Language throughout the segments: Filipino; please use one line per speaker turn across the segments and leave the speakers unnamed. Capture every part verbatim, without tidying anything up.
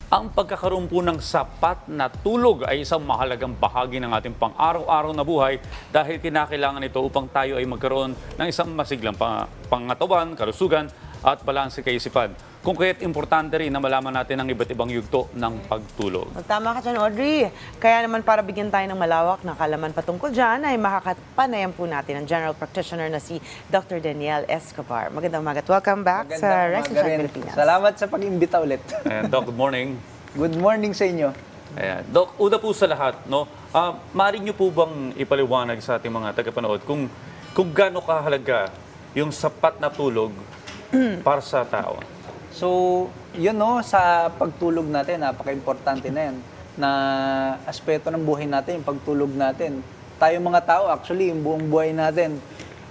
Ang pagkakaroon po ng sapat na tulog ay isang mahalagang bahagi ng ating pang-araw-araw na buhay dahil kinakailangan ito upang tayo ay magkaroon ng isang masiglang pa- pangatawan, kalusugan at balanse kaisipan. Kung kaya't importante rin na malaman natin ang iba't ibang yugto ng pagtulog.
Tama ka dyan, Audrey. Kaya naman para bigyan tayo ng malawak na kalaman patungkol dyan, ay makakapanayan po natin ang general practitioner na si Doctor Daniel Escobar. Magandang umaga at welcome back sa
Magandang
Rest
umaga rin.
Pilipinas.
Salamat sa pag-imbita ulit.
Ayan, Doc, good morning.
Good morning sa inyo.
Ayan. Doc, una po sa lahat, no, uh, maaari niyo po bang ipaliwanag sa ating mga tagapanood kung, kung gaano kahalaga yung sapat na tulog para sa tao?
So, yun no, sa pagtulog natin, napaka-importante na yan. Na aspeto ng buhay natin, yung pagtulog natin. Tayo mga tao, actually, yung buong buhay natin,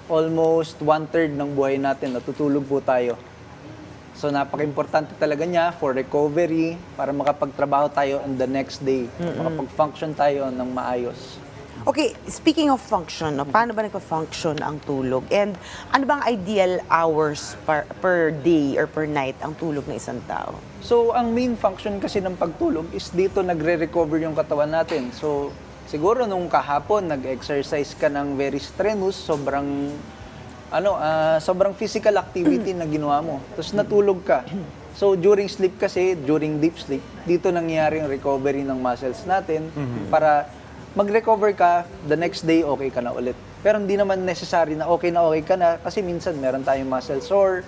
almost one-third ng buhay natin, natutulog po tayo. So, napaka-importante talaga niya for recovery, para makapagtrabaho tayo on the next day. Makapag-function tayo ng maayos.
Okay, speaking of function, no, paano ba nagpa-function ang tulog? And ano bang ideal hours per, per day or per night ang tulog ng isang tao?
So, ang main function kasi ng pagtulog is dito nagre-recover yung katawan natin. So, siguro nung kahapon, nag-exercise ka ng very strenuous, sobrang, ano, ah, sobrang physical activity na ginawa mo. Tapos natulog ka. So, during sleep kasi, during deep sleep, dito nangyayari yung recovery ng muscles natin para mag-recover ka, the next day okay ka na ulit. Pero hindi naman necessary na okay na okay ka na kasi minsan meron tayong muscle sore.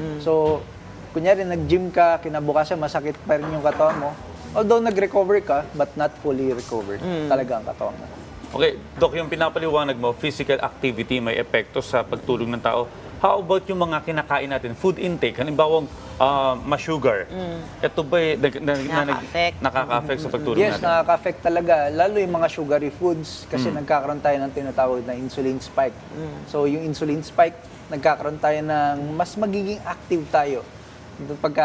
So, kunyari nag-gym ka, kinabukasan masakit pa rin yung katawan mo. Although nag-recover ka, but not fully recovered talaga ang katawan mo.
Okay, Doc, yung pinapaliwanag mo, physical activity may epekto sa pagtulog ng tao. How about yung mga kinakain natin, food intake, halimbawa uh, ma-sugar? Ito ba eh, nag- na- na-
Nakaka-affect.
nakaka-affect sa pagtulog
Yes,
natin?
nakaka-affect talaga. Lalo yung mga sugary foods kasi nagkakaroon tayo ng tinatawag na insulin spike. So yung insulin spike, nagkakaroon tayo ng mas magiging active tayo pagka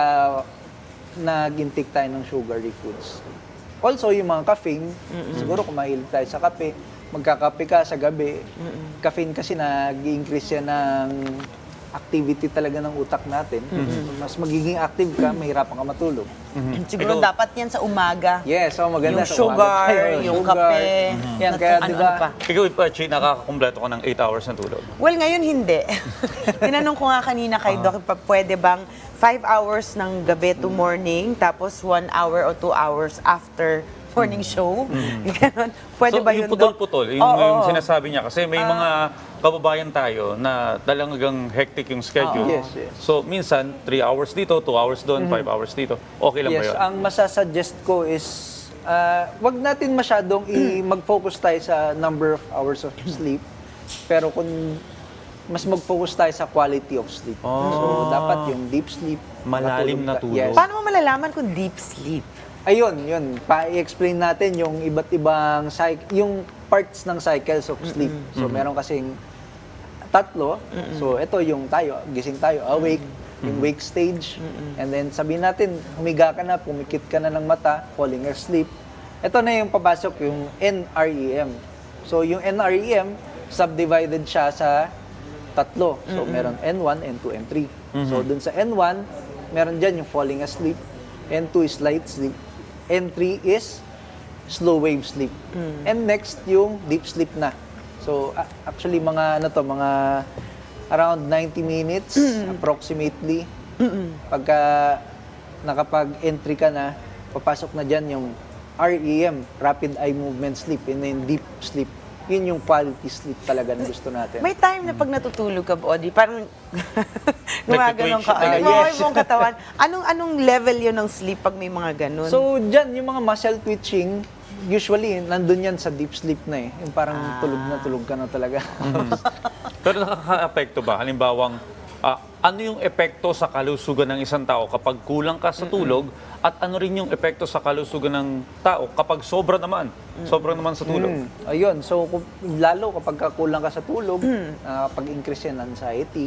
nag-intake tayo ng sugary foods. Also, yung mga caffeine, siguro kung mahilig tayo sa kape, magkakape ka sa gabi. Caffeine kasi nag-i-increase yan ng activity talaga ng utak natin. Mas magiging active ka, mahirapan ka matulog.
Siguro
Ikaw-
dapat yan sa umaga.
Yes, so maganda.
Yung
sa
sugar,
umaga tayo,
yung
sugar.
kape.
Yan,
nat-
kaya
ano-
di ba,
ano pa?
Ikaw, Ipachi, nakakakumpleto ko ng eight hours na tulog.
Well, ngayon hindi. Tinanong ko nga kanina kay Doc, pa- pwede bang five hours ng gabi to morning, tapos one hour or two hours after morning show? Ganon. Pwede
so,
ba
yung
yun, Doc?
putol-putol, yung,
Oo,
yung
oo.
sinasabi niya, kasi may mga kababayan tayo na talagang hectic yung schedule.
Yes, yes.
So, minsan, three hours dito, two hours doon, five hours dito. Okay lang ba
yes,
yun?
ang masasuggest ko is, ah, wag natin masyadong i- mag-focus tayo sa number of hours of sleep. Pero kung mas mag-focus tayo sa quality of sleep. So, dapat yung deep sleep.
Malalim
makatulog
na
ka-
tulog.
Yes.
Paano mo malalaman kung deep sleep?
Ayun, yun. Pa-explain natin yung iba't ibang cycle, yung parts ng cycles of sleep. So, meron kasing tatlo. So, ito yung tayo, gising tayo, awake, yung wake stage. And then, sabihin natin, humiga ka na, pumikit ka na ng mata, falling asleep. Ito na yung papasok, yung N R E M. So, yung N R E M, subdivided siya sa tatlo. So, meron N one, N two, N three. So, dun sa N one, meron dyan yung falling asleep. N two is light sleep. N three is slow wave sleep. And next, yung deep sleep na. So, a- actually, mga ano to, mga around ninety minutes, approximately. Pagka nakapag-entry ka na, papasok na dyan yung R E M, Rapid Eye Movement Sleep, and then deep sleep. Yun yung quality sleep talaga na gusto natin.
May time na pag natutulog ka, Audrey, parang gumaganon ka.
Nagtitwitch.
Ay,
Ah,
mga
yes.
mong katawan. Anong anong level yun ng sleep pag may mga ganun?
So, dyan, yung mga muscle twitching, usually, nandun yan sa deep sleep na eh. Yung parang tulog na tulog ka na talaga.
Pero nakaka-apekto ba? Halimbawang, ah, ano yung epekto sa kalusugan ng isang tao kapag kulang ka sa tulog at ano rin yung epekto sa kalusugan ng tao kapag sobra naman, sobra naman sa tulog?
Mm, ayun, so kung, lalo kapag ka kulang ka sa tulog, ah, pag-increase yan anxiety.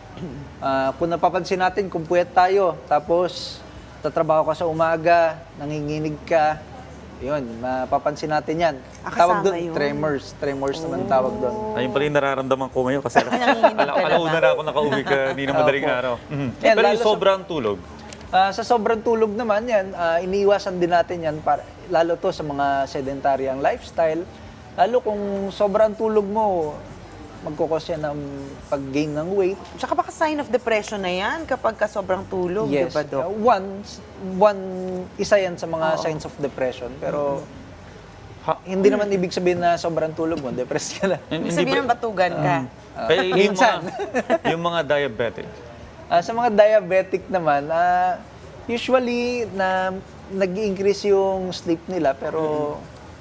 Ah, kung napapansin natin, kung puyat tayo, tapos tatrabaho ka sa umaga, nanginginig ka, yun, mapapansin natin yan.
Ah,
Tawag
kasama
doon,
yun.
tremors. Tremors naman tawag doon.
Ayun pala yung nararamdaman ko ngayon kasi ala-
Nanginginig ka
ala-
na
alauna
ba?
na ako nakauwi ka, hindi na madaling
Opo.
araw. Mhm.
Yan,
Pero
lalo
yung
sa-
sobrang tulog,
Ah, sa sobrang tulog naman yan, ah, iniiwasan din natin yan, para, lalo to sa mga sedentary ang lifestyle. Lalo kung sobrang tulog mo, magkukos yan ng pag-gain ng weight.
Tsaka baka sign of depression na yan kapag ka sobrang tulog, di
Yes.
ba, Dok?
Uh, one, one, isa yan sa mga
Oo.
signs of depression. Pero
Ha-
hindi naman ibig sabihin na sobrang tulog mo, depressed ka na.
Ibig sabihin ng batugan ka.
Eh, yung
Minsan.
mga, yung mga diabetic.
Ah, sa mga diabetic naman, ah, usually na nag-increase yung sleep nila pero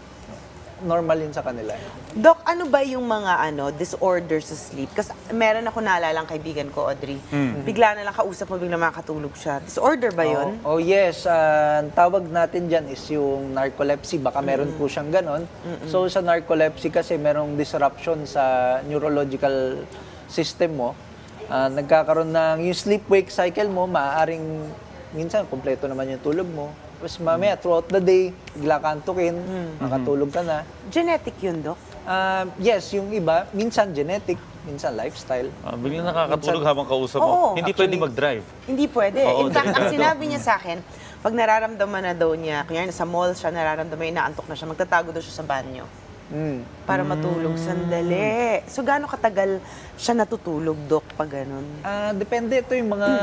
normal yun sa kanila.
Dok, ano ba yung mga ano disorders sa sleep? Kasi meron ako naalalang kaibigan ko, Audrey. Bigla na lang kausap mo, bigla makakatulog siya. Disorder ba yun?
Oh, oh yes, ah, ang tawag natin dyan is yung narcolepsy. Baka meron po siyang ganon. So sa narcolepsy kasi merong disruption sa neurological system mo. Ah, nagkakaroon ng yung sleep-wake cycle mo, maaaring minsan kompleto naman yung tulog mo. Tapos mamaya throughout the day, bigla ka antukin, makatulog ka na.
Genetic yun, Dok?
Ah, yes, yung iba, minsan genetic, minsan lifestyle.
Ah, biglang nakakatulog habang kausap
Oo,
mo. Hindi pwede
actually-
mag-drive.
Hindi pwede.
Oo,
In fact, ang
delikado.
sinabi niya sa akin, pag nararamdaman na daw niya, kunyari sa mall siya, nararamdaman, inaantok na siya, magtatago daw siya sa banyo
Mm.
para matulog sandali. So, gaano katagal siya natutulog, Dok, pag ganun?
Ah, depende ito yung mga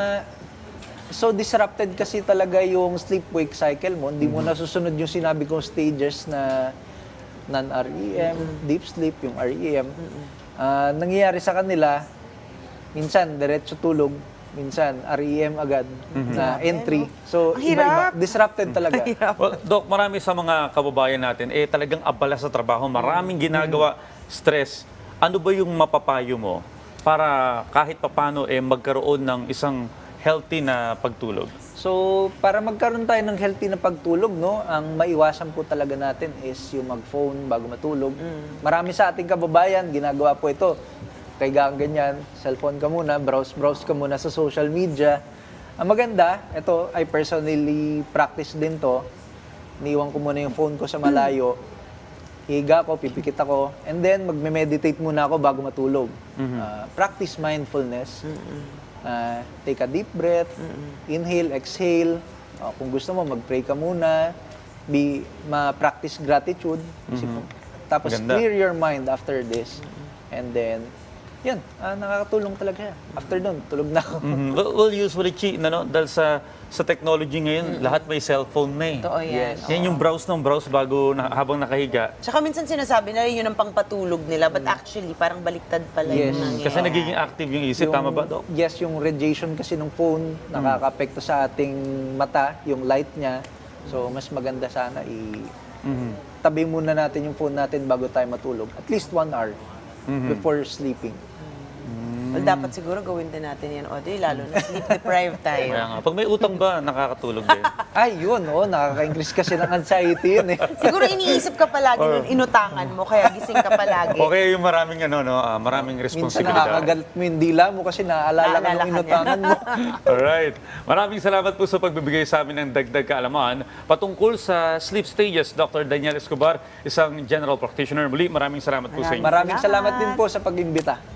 so disrupted kasi talaga yung sleep-wake cycle mo. Hindi mo nasusunod yung sinabi kong stages na non-R E M, deep sleep, yung R E M. Ah, nangyayari sa kanila, minsan diretso tulog, minsan R E M agad na entry. So,
Ang hirap.
iba-iba. Disrupted talaga.
Well, Doc, marami sa mga kababayan natin, eh talagang abala sa trabaho, maraming ginagawa, stress. Ano ba yung mapapayo mo para kahit papano eh magkaroon ng isang healthy na pagtulog?
So, para magkaroon tayo ng healthy na pagtulog, no, ang maiwasan po talaga natin is yung mag-phone bago matulog. Marami sa ating kababayan, ginagawa po ito. Kaya ganyan, cellphone ka muna, browse-browse ka muna sa social media. Ang maganda, ito, I personally practice din to. Niiwan ko muna yung phone ko sa malayo. Higa ko, pipikit ako, and then magme-meditate muna ako bago matulog. Ah, practice mindfulness. Ah, take a deep breath, inhale, exhale. Ah, kung gusto mo, mag-pray ka muna. Be, ma-practice gratitude. Isip mo. Tapos
Ganda.
clear your mind after this. And then, yan, ah, nakakatulong talaga siya. After nun, tulog na ako.
Mhm. Well, well, usually, Chi, ano, dahil sa, sa technology ngayon, lahat may cellphone na eh.
Totoo yan.
Yes.
Yan yung browse ng browse bago na, habang nakahiga.
Tsaka minsan sinasabi na yun ang pangpatulog nila, but actually, parang baliktad pala
Yes.
yung nangyayari.
Kasi nagiging active yung isip,
Yung-
tama ba, Doc?
Yes, yung radiation kasi ng phone, nakaka-apekto sa ating mata, yung light niya. So, mas maganda sana i- tabi muna natin yung phone natin bago tayo matulog. At least one hour before sleeping.
Well, dapat siguro gawin din natin yan, Audrey, lalo na sleep deprived tayo.
Kaya nga, pag may utang ba, nakakatulog din?
Ay, yun, oh, nakaka-increase kasi ng anxiety yun eh.
Siguro iniisip ka palagi nun, inutangan mo, kaya gising ka palagi.
Okay, yung maraming, ano, no, ah, maraming
Minsan
responsibilidad.
nakakagalit mo yung dila mo kasi naaalala ka
Naalala
ng
ka niya.
inutangan mo.
Alright. Maraming salamat po sa pagbibigay sa amin ng dagdag kaalaman patungkol sa sleep stages. Doctor Daniel Escobar, isang general practitioner. Muli, maraming salamat po sa inyo.
Maraming
Salamat.
salamat din po sa pag-imbita.